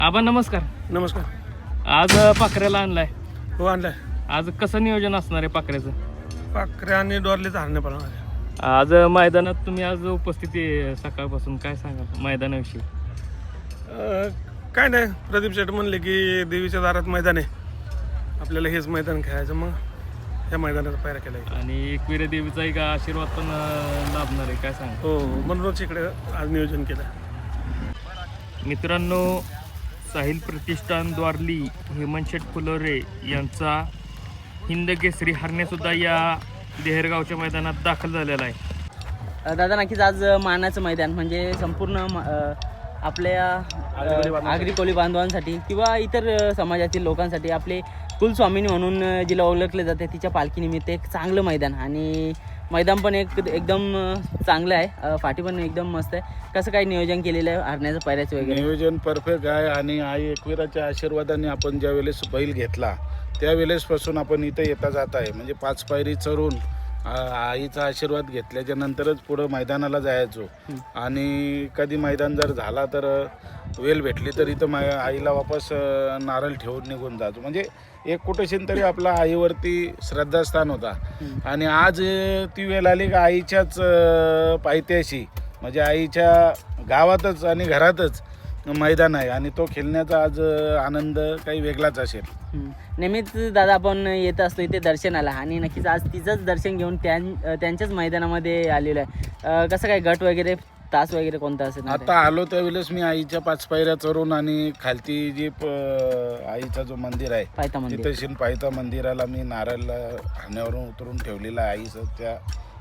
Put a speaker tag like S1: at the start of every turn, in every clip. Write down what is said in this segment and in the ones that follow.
S1: आबा नमस्कार.
S2: नमस्कार.
S1: आज पाखऱ्याला आणलाय.
S2: हो आणलाय.
S1: आज कसं नियोजन असणार आहे पाखऱ्याचं?
S2: पाखरे आणि डोरलेच हरणे पडणार.
S1: आज मैदानात तुम्ही आज उपस्थिती आहे सकाळपासून, काय सांगाल मैदानाविषयी?
S2: काय नाही, प्रदीप शेठ म्हणले की देवीच्या दारात मैदान आहे, आपल्याला हेच मैदान खेळायचं, मग ह्या मैदानाचा पायरा केला आहे.
S1: आणि एकविरा देवीचा एक आशीर्वाद पण लाभणार आहे, काय सांगा?
S2: हो, म्हणूनच इकडे आज नियोजन केलं.
S1: मित्रांनो, साहिल प्रतिष्ठान द्वारली हेमंतशेठ फुलोरे यांचा हिंद केसरी हरण्यासुद्धा या देहरगावच्या मैदानात दाखल झालेला आहे.
S3: दादा नक्कीच आज मानाचं मैदान म्हणजे संपूर्ण आपल्या आगरी कोळी बांधवांसाठी किंवा इतर समाजातील लोकांसाठी आपले कुलस्वामिनी म्हणून जिला ओळखले जाते तिच्या पालखीनिमित्त एक चांगलं मैदान, आणि मैदान पण एकदम चांगलं आहे, फाटी पण एकदम मस्त आहे. कसं काय नियोजन केलेलं आहे हरण्याचं पायऱ्याचं वगैरे?
S4: नियोजन परफेक्ट आहे, आणि आई एकविराच्या आशीर्वादाने आपण ज्या वेळेस बैल घेतला त्यावेळेसपासून आपण इथं येता जात आहे. म्हणजे 5 पायरी चढून आईचा आशीर्वाद घेतल्याच्या नंतरच पुढं मैदानाला जायचो, आणि कधी मैदान जर झाला तर वेळ भेटली तर इथं आईला वापस नारळ ठेवून निघून जातो. म्हणजे एक कुठेशीन तरी आपला आईवरती श्रद्धास्थान होता, आणि आज ती वेळ आली का आईच्याच पायथ्याशी म्हणजे आईच्या गावातच आणि घरातच मैदान आहे, आणि तो खेळण्याचा आज आनंद काही वेगळाच असेल.
S3: नेहमीच दादा आपण येत असतो इथे दर्शनाला, आणि नक्कीच आज तिचंच दर्शन घेऊन त्यांच्याच मैदानामध्ये आलेलो आहे. कसं काय गट वगैरे तास वगैरे कोणता असेल?
S4: आता आलो त्यावेळेस मी आईच्या 5 पायऱ्या चढून, आणि खालती जी आईचा जो मंदिर आहे
S3: पायथा मंदिर,
S4: तिथं पायथा मंदिराला मी नारळ हाण्यावरून उतरून ठेवलेला आहे आईचं त्या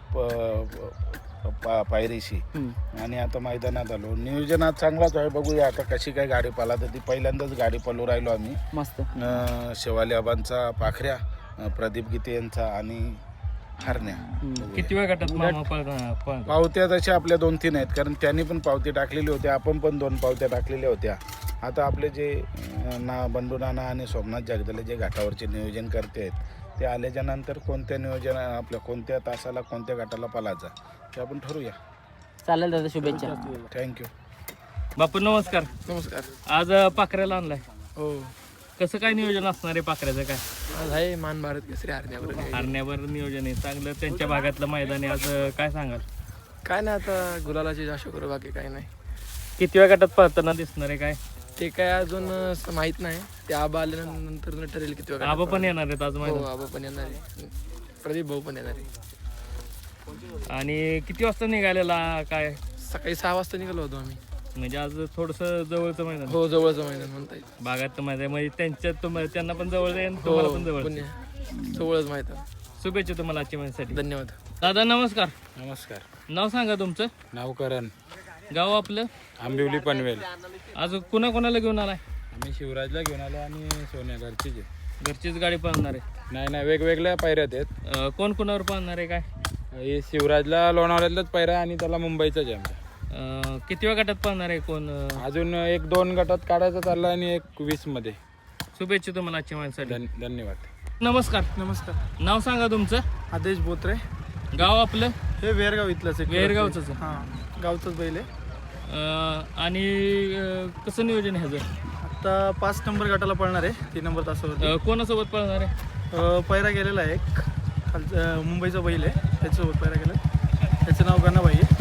S4: पायरीशी, आणि आता मैदानात आलो. नियोजन आज चांगलाच आहे, बघूया आता कशी काय गाडी पाला. तर ती पहिल्यांदाच गाडी पळू राहिलो आम्ही.
S3: मस्त.
S4: शेवाली आबांचा पाखऱ्या, प्रदीप गीते यांचा आणि हरण्या.
S1: किती वेळ गटात मामा
S4: पावत्या तशा आपल्या 2-3 आहेत, कारण त्यांनी पण पावती टाकलेली होती, आपण पण 2 पावत्या टाकलेल्या होत्या. आता आपले जे बंधू नाना आणि सोमनाथ जगदले जे घाटावरचे नियोजन करते आहेत, ते आल्याच्या नंतर कोणत्या नियोजन आपल्या कोणत्या तासाला कोणत्या गटाला पालायचा ते आपण ठरवूया.
S3: चालेल दादा, शुभेच्छा.
S4: थँक्यू.
S1: बापू नमस्कार.
S2: नमस्कार.
S1: आज पाखऱ्याला आणलाय.
S2: हो,
S1: कसं काय नियोजन असणार आहे पाखऱ्याचं? काय
S2: आज आहे मान भारत केसरी हरण्यावर.
S1: हरण्यावर नियोजन आहे चांगलं, त्यांच्या भागातलं मैदान आहे. आज काय सांगाल?
S2: काय नाही, आता गुलालाची आशा करू, बाकी काही नाही.
S1: किती वेळ गटात पळताना दिसणार आहे काय?
S2: ते काय अजून माहित नाही, ते आबा आल्यानंतर ठरेल किती वेळा.
S1: आबा पण येणार आहेत आज
S2: हो,
S1: मैदान.
S2: आबा पण येणार आहे, प्रदीप भाऊ पण येणार आहे.
S1: आणि किती वाजता निघालेला काय?
S2: सकाळी 6 वाजता निघालो होतो आम्ही.
S1: म्हणजे आज थोडंसं जवळचं मैदान,
S2: हो, जवळचं मैदान म्हणता येईल.
S1: भागात मैदान म्हणजे त्यांना पण जवळ आहे आणि तुम्हाला पण जवळ.
S2: जवळच मैदान.
S1: शुभेच्छा तुम्हाला आजच्या महिन्यासाठी.
S2: धन्यवाद.
S1: दादा नमस्कार.
S4: नमस्कार.
S1: नाव सांगा तुमचं.
S4: नाव करण,
S1: गाव आपलं.
S4: आंबिवली पनवेल.
S1: आज कोणाकोणाला घेऊन आलाय?
S4: आम्ही शिवराजला घेऊन आलो, आणि सोन्या घरचीच आहे.
S1: घरचीच गाडी पळणार आहे?
S4: नाही, वेगवेगळ्या पायऱ्यात आहेत.
S1: कोण कोणावर पळणार आहे काय?
S4: हे शिवराजला लोणावळ्यातलाच पायरा, आणि त्याला मुंबईचाच आहे आमच्या.
S1: किती वेळ गटात पळणार आहे कोण?
S4: अजून 1-2 गटात काढायचा चालला, आणि 20 मध्ये.
S1: शुभेच्छा तुम्हाला आजच्या महिन्यासाठी.
S4: धन्यवाद.
S1: नमस्कार.
S2: नमस्कर.
S1: नाव सांगा तुमचं.
S2: आदेश बोत्रे.
S1: गाव आपलं.
S2: हे वेरगाव इथलंच आहे.
S1: वेरगावचंच आहे.
S2: हां, गावचंच बैल आहे.
S1: आणि कसं नियोजन आहे ह्याचं?
S2: आता 5 नंबर गटाला पळणार आहे, 3 नंबर तासावर.
S1: कोणासोबत पळणार आहे?
S2: पैरा गेलेला आहे एक खालचा मुंबईचा बैल आहे, त्याच्यासोबत पैरा गेला. त्याचं नाव गणाबाई आहे.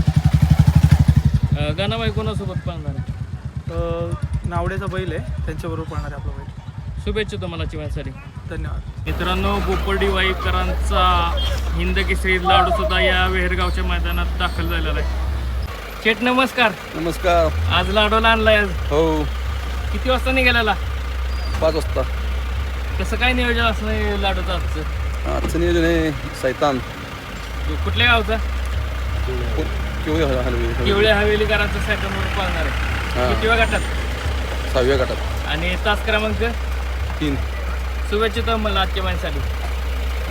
S1: गाणाबाई कोणासोबत पळणार आहे?
S2: नावड्याचा बैल आहे, त्यांच्याबरोबर पळणार आहे आपला बैल.
S1: शुभेच्छा तुम्हाला चिवासाठी.
S2: धन्यवाद.
S1: मित्रांनो, बोपर्डी वाईकरांचा हिंद केसरी लाडू सुद्धा या वेहरगावच्या मैदानात दाखल झालेला आहे. शेठ नमस्कार.
S5: नमस्कार.
S1: आज लाडूला आणलाय आज.
S5: हो,
S1: किती वाजता निघालेला?
S5: 5 वाजता.
S1: कसं काय नियोजन असणार लाडूचं आजचं?
S5: आजचं नियोजन आहे सैतान
S1: कुठल्या गावचा? किवळे हवेलीकरांचा सेकंडवर पळणार आहे. किती वेळ गटात?
S5: 6व्या गटात.
S1: आणि तास क्रमांक
S5: 3.
S1: शुभेच्छा तुम्हाला आजच्या महिन्यासाठी.